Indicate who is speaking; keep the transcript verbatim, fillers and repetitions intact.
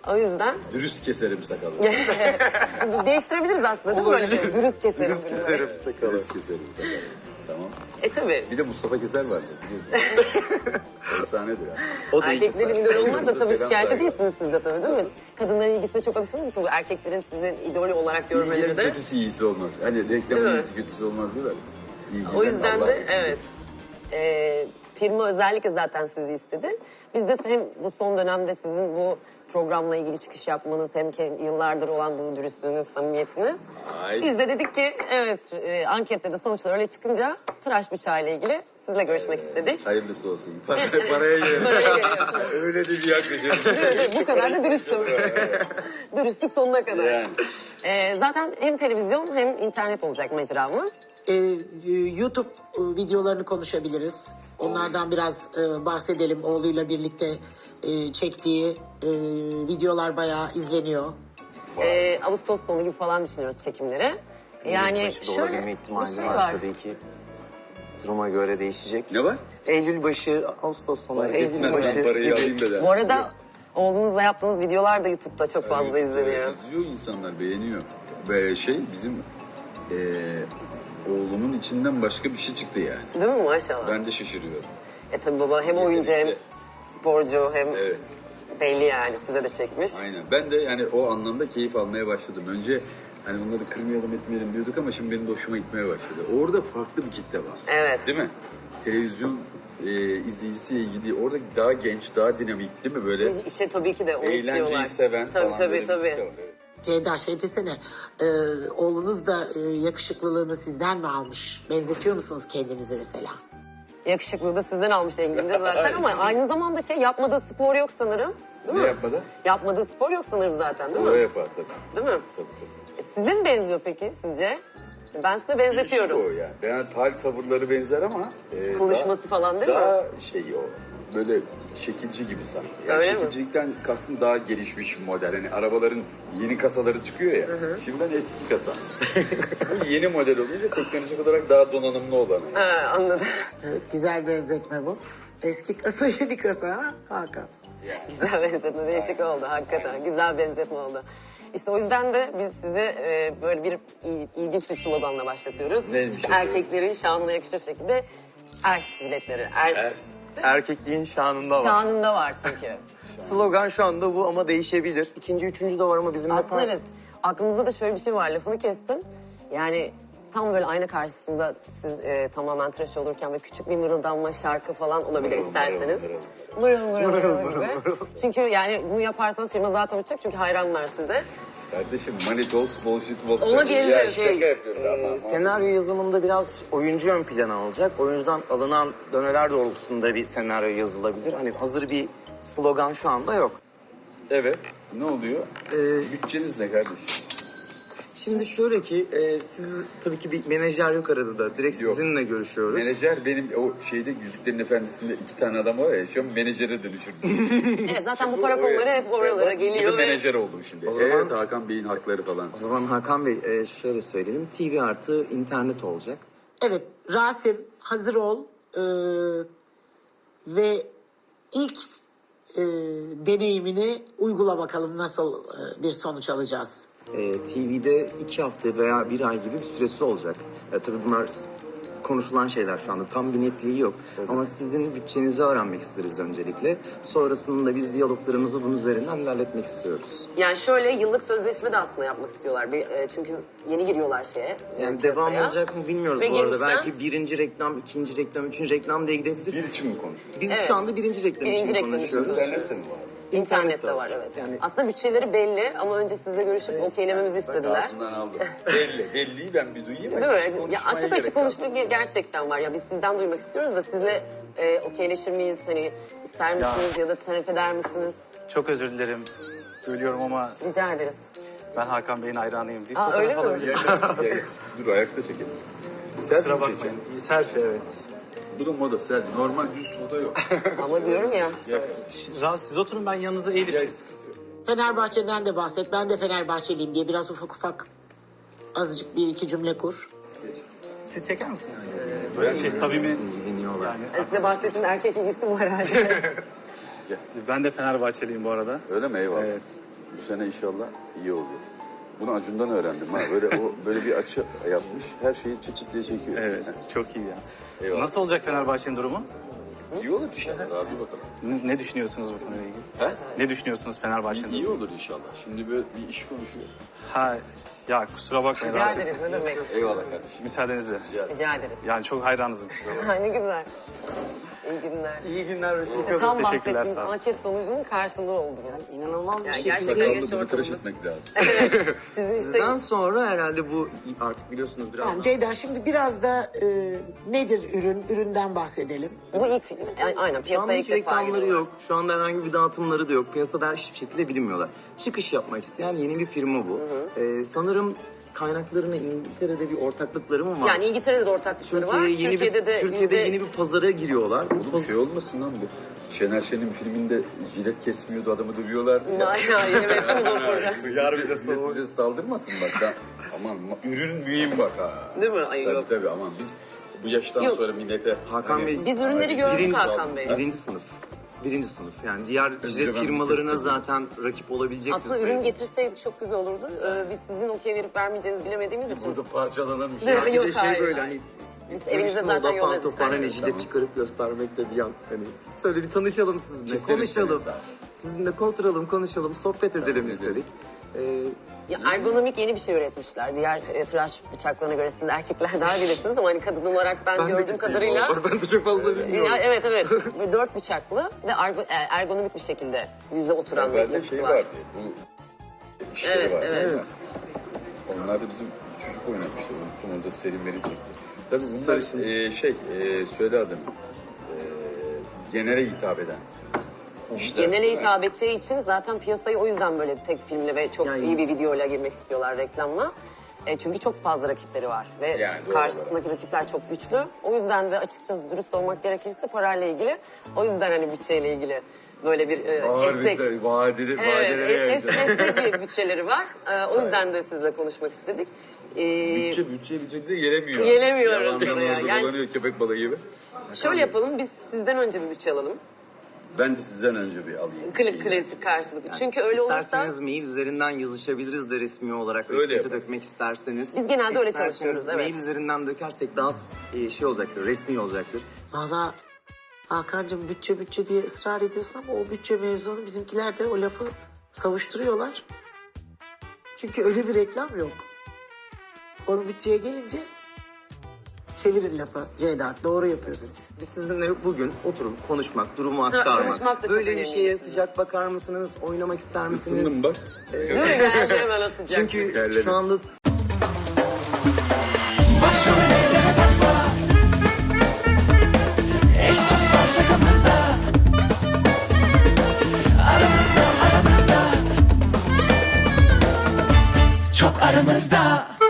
Speaker 1: O yüzden...
Speaker 2: Dürüst keserim sakalı.
Speaker 1: Değiştirebiliriz aslında değil mi böyle şey? Dürüst keserim.
Speaker 3: Dürüst keserim sakalı.
Speaker 2: Dürüst keserim sakalı. Tamam.
Speaker 1: E tabii.
Speaker 2: Bir de Mustafa Keser vardı biliyorsun. Efsanedir ya.
Speaker 3: O da
Speaker 1: Erkeklerin idolü olmak da tabii
Speaker 2: Selam
Speaker 1: şikayetçi
Speaker 2: saygı.
Speaker 1: değilsiniz siz de tabii değil mi? Kadınların ilgisine çok alıştığınız için bu erkeklerin sizin idolü olarak görmeleri
Speaker 2: İyinin
Speaker 1: de.
Speaker 2: kötüsü iyisi olmaz. Hani
Speaker 1: Değil
Speaker 2: reklamın
Speaker 1: mi?
Speaker 2: iyisi kötüsü olmaz diyorlar. İyi
Speaker 1: O
Speaker 2: giden
Speaker 1: yüzden
Speaker 2: Allah
Speaker 1: de
Speaker 2: etsin.
Speaker 1: evet. Ee, firma özellikle zaten sizi istedi. Biz de hem bu son dönemde sizin bu programla ilgili çıkış yapmanız hem ki yıllardır olan bu dürüstlüğünüz, samimiyetiniz.
Speaker 2: Ay.
Speaker 1: Biz de dedik ki evet e, ankette de sonuçlar öyle çıkınca tıraş bıçağıyla ilgili sizinle görüşmek istedik.
Speaker 2: Hayırlısı olsun. Para, paraya girelim. Öyle de bir yaklaşım.
Speaker 1: Bu kadar da dürüstüm. Dürüstlük sonuna kadar.
Speaker 2: Yani.
Speaker 1: Ee, zaten hem televizyon hem internet olacak mecramız.
Speaker 4: Ee, YouTube e, videolarını konuşabiliriz. Onlardan biraz e, bahsedelim. Oğluyla birlikte e, çektiği e, videolar bayağı izleniyor.
Speaker 1: Ee, Ağustos sonu gibi falan düşünüyoruz çekimleri. Yani
Speaker 3: başı da
Speaker 1: şöyle
Speaker 3: olabilme
Speaker 1: bir
Speaker 3: ihtimali
Speaker 1: şey
Speaker 3: var,
Speaker 1: var.
Speaker 3: tabii ki. Duruma göre değişecek.
Speaker 2: Ne var?
Speaker 3: Eylül başı, Ağustos sonu,
Speaker 2: Fark
Speaker 3: Eylül
Speaker 2: etmez, ben
Speaker 3: başı
Speaker 2: parayı alayım
Speaker 3: gibi.
Speaker 2: da der.
Speaker 1: Bu arada oğlunuzla yaptığınız videolar da YouTube'da çok fazla
Speaker 2: Evet,
Speaker 1: izleniyor.
Speaker 2: evet, izliyor insanlar, beğeniyor. Ve şey bizim eee oğlumun içinden başka bir şey çıktı yani.
Speaker 1: Değil mi maşallah?
Speaker 2: Ben de şaşırıyorum.
Speaker 1: E tabi baba hem oyuncu hem
Speaker 2: Evet.
Speaker 1: sporcu hem
Speaker 2: Evet.
Speaker 1: belli yani size de çekmiş.
Speaker 2: Aynen. Ben de yani o anlamda keyif almaya başladım. Önce hani bunları kırmayalım etmeyelim diyorduk ama şimdi benim de hoşuma gitmeye başladı. Orada farklı bir kitle var.
Speaker 1: Evet.
Speaker 2: Değil mi? Televizyon e, izleyicisiyle ilgili orada daha genç, daha dinamik değil mi böyle?
Speaker 1: İşte tabii ki de onu
Speaker 2: Eğlenceyi
Speaker 1: istiyorlar.
Speaker 2: seven
Speaker 1: tabii,
Speaker 2: falan
Speaker 1: tabii,
Speaker 2: böyle bir
Speaker 1: tabii.
Speaker 2: kitle var. Evet.
Speaker 4: Ceyda şey desene, e, oğlunuz da e, yakışıklılığını sizden mi almış? Benzetiyor musunuz kendinize mesela?
Speaker 1: Yakışıklı da sizden almış Engin'de zaten ama aynı zamanda şey yapmadığı spor yok sanırım. Değil
Speaker 2: Ne
Speaker 1: mi?
Speaker 2: yapmadı?
Speaker 1: Yapmadığı spor yok sanırım zaten değil
Speaker 2: O
Speaker 1: mi?
Speaker 2: yapar tabii.
Speaker 1: Değil mi?
Speaker 2: Tabii tabii.
Speaker 1: E, size mi benziyor peki sizce? Ben size
Speaker 2: Değişik
Speaker 1: benzetiyorum.
Speaker 2: o yani. Yani hal tavırları benzer ama e,
Speaker 1: Konuşması
Speaker 2: daha,
Speaker 1: falan değil mi?
Speaker 2: daha şey o böyle şekilci gibi sanki. Yani
Speaker 1: Öyle mi?
Speaker 2: şekilcilikten kastım daha gelişmiş bir model. Hani arabaların yeni kasaları çıkıyor ya. Şimdi ben eski kasa. Bu yeni model olunca teknolojik olarak daha donanımlı olan. Yani.
Speaker 1: Ha, anladım.
Speaker 4: Evet, güzel benzetme bu. Eski kasa yeni kasa ha Hakan.
Speaker 1: Güzel benzetme, değişik oldu hakikaten. Güzel benzetme oldu. İşte o yüzden de biz size e, böyle bir il- ilginç bir sloganla başlatıyoruz.
Speaker 2: Neymiş
Speaker 1: İşte
Speaker 2: efendim?
Speaker 1: erkeklerin şanına yakışır şekilde ers jiletleri. Ers,
Speaker 2: Ers.
Speaker 3: Erkekliğin şanında var.
Speaker 1: şanında var çünkü.
Speaker 3: Slogan şu anda bu ama değişebilir. İkinci, üçüncü de var ama bizim
Speaker 1: Aslında
Speaker 3: hep-
Speaker 1: evet. Aklımızda da şöyle bir şey var. Lafını kestim. Yani tam böyle ayna karşısında siz e, tamamen tıraş olurken ve küçük bir mırıldanma şarkı falan olabilir
Speaker 2: Mırıl,
Speaker 1: isterseniz.
Speaker 2: mırıl,
Speaker 1: Mırıl mırıl mırıl gibi. Çünkü yani bunu yaparsanız firma zaten uçacak çünkü hayranlar size.
Speaker 2: Kardeşim money talks bullshit walks.
Speaker 1: Ona diyebiliriz.
Speaker 2: Ya,
Speaker 3: Şey,
Speaker 2: şaka yapıyorum
Speaker 3: e,
Speaker 2: ama-
Speaker 3: senaryo yazımında biraz oyuncu ön plana alacak. Oyuncudan alınan döneler doğrultusunda bir senaryo yazılabilir. Hani hazır bir slogan şu anda yok.
Speaker 2: Evet. Ne oluyor?
Speaker 3: Ee,
Speaker 2: Bütçeniz ne kardeşim?
Speaker 3: Şimdi şöyle ki e, siz tabii ki bir menajer yok arada da. Direkt
Speaker 2: Yok.
Speaker 3: sizinle görüşüyoruz.
Speaker 2: Menajer benim o şeyde Yüzüklerin Efendisi'nde iki tane adam var ya şu an menajere dönüşürdüm.
Speaker 1: Evet zaten bu para konuları hep oralara geliyor
Speaker 2: Gibi
Speaker 1: ve
Speaker 2: menajer oldum şimdi.
Speaker 3: O zaman-
Speaker 2: Evet Hakan Bey'in hakları falan.
Speaker 3: O zaman Hakan Bey e, şöyle söyleyelim. T V artı internet olacak.
Speaker 4: Evet Rasim hazır ol Ee, ve ilk e, deneyimini uygula bakalım nasıl e, bir sonuç alacağız.
Speaker 3: E, T V'de iki hafta veya bir ay gibi bir süresi olacak. E, tabii bunlar s- konuşulan şeyler şu anda. Tam bir netliği yok. Ama sizin bütçenizi öğrenmek isteriz öncelikle. Sonrasında biz diyaloglarımızı bunun üzerinden ilerletmek istiyoruz.
Speaker 1: yani şöyle yıllık sözleşme de aslında yapmak istiyorlar. Bir, e, çünkü yeni giriyorlar şeye.
Speaker 3: Yani
Speaker 1: piyasaya.
Speaker 3: devam olacak mı bilmiyoruz
Speaker 1: Ve
Speaker 3: bu arada.
Speaker 1: girmişten-
Speaker 3: Belki birinci reklam, ikinci reklam, üçüncü reklam diye gidebilir.
Speaker 2: Bir için mi konuşuyoruz?
Speaker 3: Biz
Speaker 1: Evet.
Speaker 3: şu anda birinci reklam
Speaker 1: Birinci
Speaker 3: için
Speaker 1: reklam için
Speaker 3: konuşuyoruz.
Speaker 2: İnternette mi var?
Speaker 1: İnternette var evet.
Speaker 3: Yani
Speaker 1: Aslında bütçeleri belli ama önce sizle görüşüp okeylememizi istediler.
Speaker 2: Ağzından aldım. Belli. Belliyi ben bir duyayım.
Speaker 1: Değil mi? Ya açık
Speaker 3: gerek
Speaker 1: açık
Speaker 3: kalmadı.
Speaker 1: konuşmak gerçekten var. Ya biz sizden duymak istiyoruz da sizle e, okeyleşir miyiz? Hani ister misiniz ya, da talep eder misiniz?
Speaker 5: Çok özür dilerim. Söylüyorum ama
Speaker 1: Rica ederiz.
Speaker 5: ben Hakan Bey'in hayranıyım. Bir
Speaker 1: Aa,
Speaker 5: fotoğraf
Speaker 1: öyle mi?
Speaker 5: alabilir miyim?
Speaker 2: Dur ayakta çekelim.
Speaker 5: Kusura
Speaker 2: Selfie
Speaker 5: bakmayın.
Speaker 2: çekelim.
Speaker 5: İyi, selfie evet.
Speaker 2: Bu da moda selfie. Normal düz foto yok.
Speaker 1: Ama diyorum ya.
Speaker 5: Ş- Rahat siz oturun ben yanınıza eğilip...
Speaker 2: Ya,
Speaker 4: Fenerbahçe'den de bahset. Ben de Fenerbahçeliyim diye biraz ufak ufak azıcık bir iki cümle kur.
Speaker 5: Siz çeker misiniz? Böyle şey samimi.
Speaker 3: ilgileniyorlar.
Speaker 5: Yani,
Speaker 1: Size bahsettiğim erkek ilgisi bu herhalde.
Speaker 5: ben de Fenerbahçeliyim bu arada.
Speaker 2: Öyle mi? Eyvallah.
Speaker 5: Evet.
Speaker 2: Bu sene inşallah iyi olacağız. Bunu Acun'dan öğrendim ha. Böyle o böyle bir açı yapmış. Her şeyi çıt çıt diye çekiyor.
Speaker 5: Evet, çok iyi ya.
Speaker 2: Eyvallah.
Speaker 5: Nasıl olacak Fenerbahçe'nin durumu?
Speaker 2: İyi olur inşallah. Daha bir bakalım.
Speaker 5: Ne, ne düşünüyorsunuz bu konuyla ilgili?
Speaker 2: He?
Speaker 5: Ne düşünüyorsunuz Fenerbahçe'nin
Speaker 2: İyi
Speaker 5: durumu?
Speaker 2: olur inşallah. Şimdi böyle bir iş konuşuyor.
Speaker 5: Ha, ya kusura bakmayın.
Speaker 1: Rica
Speaker 5: rahatsız
Speaker 1: ederiz
Speaker 5: ettim.
Speaker 1: ne demek.
Speaker 2: Eyvallah kardeşim.
Speaker 5: Müsaadenizle.
Speaker 1: Rica ederiz.
Speaker 5: Yani çok hayranızım kusura bakmayın.
Speaker 1: Ha, ne güzel. İyi günler.
Speaker 4: İyi günler.
Speaker 1: İşte
Speaker 5: Çok
Speaker 1: tam
Speaker 5: teşekkürler,
Speaker 1: bahsettiğimiz
Speaker 5: sağ olun.
Speaker 1: anket sonucunun karşılığı oldu yani.
Speaker 4: İnanılmaz bir
Speaker 1: Yani
Speaker 4: şekilde.
Speaker 1: gerçekten
Speaker 2: Sakallı
Speaker 1: yaş
Speaker 2: bunu tıraş
Speaker 1: ortamımız.
Speaker 2: etmek lazım.
Speaker 1: Sizin işte
Speaker 3: Sizden sonra herhalde bu artık biliyorsunuz biraz
Speaker 4: Yani Ceyda şimdi biraz da e, nedir ürün? Üründen bahsedelim.
Speaker 1: bu ilk film. Yani aynen
Speaker 3: Şu anda
Speaker 1: piyasaya
Speaker 3: hiç
Speaker 1: ilk defa
Speaker 3: reklamları
Speaker 1: giriyorlar.
Speaker 3: yok. Şu anda herhangi bir dağıtımları da yok. Piyasada hiçbir şekilde bilinmiyorlar. Çıkış yapmak isteyen yeni bir firma bu. Ee, sanırım kaynaklarına İngiltere'de bir ortaklıkları mı var?
Speaker 1: Yani İngiltere'de de ortaklıkları var.
Speaker 3: Türkiye'ye yeni
Speaker 1: Türkiye'de
Speaker 3: bir
Speaker 1: de
Speaker 3: Türkiye'de
Speaker 1: yüzde-
Speaker 3: yeni bir pazara giriyorlar. Bu
Speaker 2: Oğlum şey olmasın lan bu. Şener Şen'in filminde jilet kesmiyordu, adamı dövüyorlardı ya.
Speaker 1: Aynen yeni metni bu program.
Speaker 5: Yar bir de
Speaker 2: Millet
Speaker 5: soğuk.
Speaker 2: bize saldırmasın bak. Ben, aman ma- ürün mühim bak ha.
Speaker 1: Değil mi? Ay,
Speaker 2: Tabii
Speaker 1: yok.
Speaker 2: tabii aman biz bu yaştan
Speaker 1: Yok.
Speaker 2: sonra millete...
Speaker 3: Hakan
Speaker 2: hani-
Speaker 3: Bey,
Speaker 1: Biz ürünleri gördük
Speaker 3: birinci,
Speaker 1: Hakan Bey.
Speaker 3: birinci sınıf. Birinci sınıf. Yani diğer jilet
Speaker 2: ben
Speaker 3: firmalarına
Speaker 2: test
Speaker 3: zaten rakip olabilecek
Speaker 1: Aslında ürün getirseydik çok güzel olurdu. Ee, biz sizin okey verip vermeyeceğinizi bilemediğimiz için.
Speaker 2: Burada parçalanırmış.
Speaker 1: Değil mi?
Speaker 3: Bir
Speaker 1: Yok,
Speaker 3: de şey
Speaker 1: hayır,
Speaker 3: böyle
Speaker 1: hayır.
Speaker 3: hani
Speaker 1: Biz evinize
Speaker 3: konuşma
Speaker 1: zaten
Speaker 3: oda,
Speaker 1: yollarız
Speaker 3: pantopar, hani
Speaker 1: isterseniz.
Speaker 3: jilet çıkarıp göstermek de bir yan. Hani söyle bir tanışalım sizinle,
Speaker 2: Keseriz
Speaker 3: konuşalım.
Speaker 2: seni sağ ol.
Speaker 3: Sizinle oturalım, konuşalım, sohbet edelim istedik. Ee,
Speaker 1: Ya ergonomik yeni bir şey üretmişler. Diğer e, tıraş bıçaklarına göre siz erkekler daha bilirsiniz ama hani kadın olarak ben,
Speaker 3: ben de
Speaker 1: gördüğüm
Speaker 3: keseyim
Speaker 1: kadarıyla.
Speaker 3: bu arada. Ben de çok fazla bilmiyorum.
Speaker 1: Ya, evet evet. Ve dört bıçaklı ve ergo- e, ergonomik bir şekilde yüze oturan bir
Speaker 2: Evvelde
Speaker 1: yapısı
Speaker 2: şey
Speaker 1: var.
Speaker 2: vardı. Bu işleri
Speaker 1: Evet,
Speaker 2: vardı.
Speaker 1: evet.
Speaker 3: Evet.
Speaker 2: Onlar da bizim çocuk oynamıştı. Unuttum orada Selim Meri çekti. Tabii bunlar
Speaker 3: Sarışın.
Speaker 2: e, şey e, söyle adını. E, genele hitap eden. işler.
Speaker 1: Genele hitap edeceği için zaten piyasayı o yüzden böyle tek filmle ve çok
Speaker 3: Yani-
Speaker 1: iyi bir videoyla girmek istiyorlar reklamla. E, çünkü çok fazla rakipleri var ve
Speaker 2: Yani doğru
Speaker 1: karşısındaki rakipler çok güçlü. O yüzden de açıkçası dürüst olmak gerekirse parayla ilgili. O yüzden hani bütçeyle ilgili böyle bir e, esnek.
Speaker 2: Vadeli,
Speaker 1: Evet, es- es- esnek bir bütçeleri var. E, o yüzden de sizle konuşmak istedik. E,
Speaker 2: Bütçe bütçe bütçe de gelemiyor.
Speaker 1: Gelemiyoruz
Speaker 2: Yalandan
Speaker 1: oraya.
Speaker 2: orada
Speaker 1: Yani-
Speaker 2: dolanıyor köpek balığı gibi.
Speaker 1: şöyle yapalım, biz sizden önce bir bütçe alalım.
Speaker 2: Ben de sizden önce bir alayım.
Speaker 1: Klik klasik karşılıklı. Çünkü öyle olursa
Speaker 3: İsterseniz mail üzerinden yazışabiliriz de resmi olarak
Speaker 2: Öyle
Speaker 3: resmiyete
Speaker 2: yapalım.
Speaker 3: dökmek isterseniz.
Speaker 1: Biz genelde öyle
Speaker 3: İsterseniz
Speaker 1: çalışıyoruz, evet.
Speaker 3: mail üzerinden dökersek daha e, şey olacaktır, resmi olacaktır.
Speaker 4: Valla Hakan'cığım bütçe bütçe diye ısrar ediyorsun ama o bütçe mevzunu bizimkiler de o lafı savuşturuyorlar. Çünkü öyle bir reklam yok. Konu bütçeye gelince çevirin lafı Ceyda. Doğru yapıyorsunuz.
Speaker 3: Biz sizinle bugün oturup konuşmak, durumu
Speaker 1: Tabii,
Speaker 3: aktarmak.
Speaker 1: konuşmak da çok
Speaker 3: Böyle bir
Speaker 1: önemli
Speaker 3: şeye
Speaker 1: aslında.
Speaker 3: sıcak bakar mısınız? Oynamak ister misiniz?
Speaker 2: Isındım bak.
Speaker 1: değil mi? Geldi hemen o sıcak.
Speaker 3: Çünkü
Speaker 2: Terledim.
Speaker 3: şu anda
Speaker 6: Başım elleme takma. Eş dost var şakamızda. Aramızda aramızda. Çok aramızda.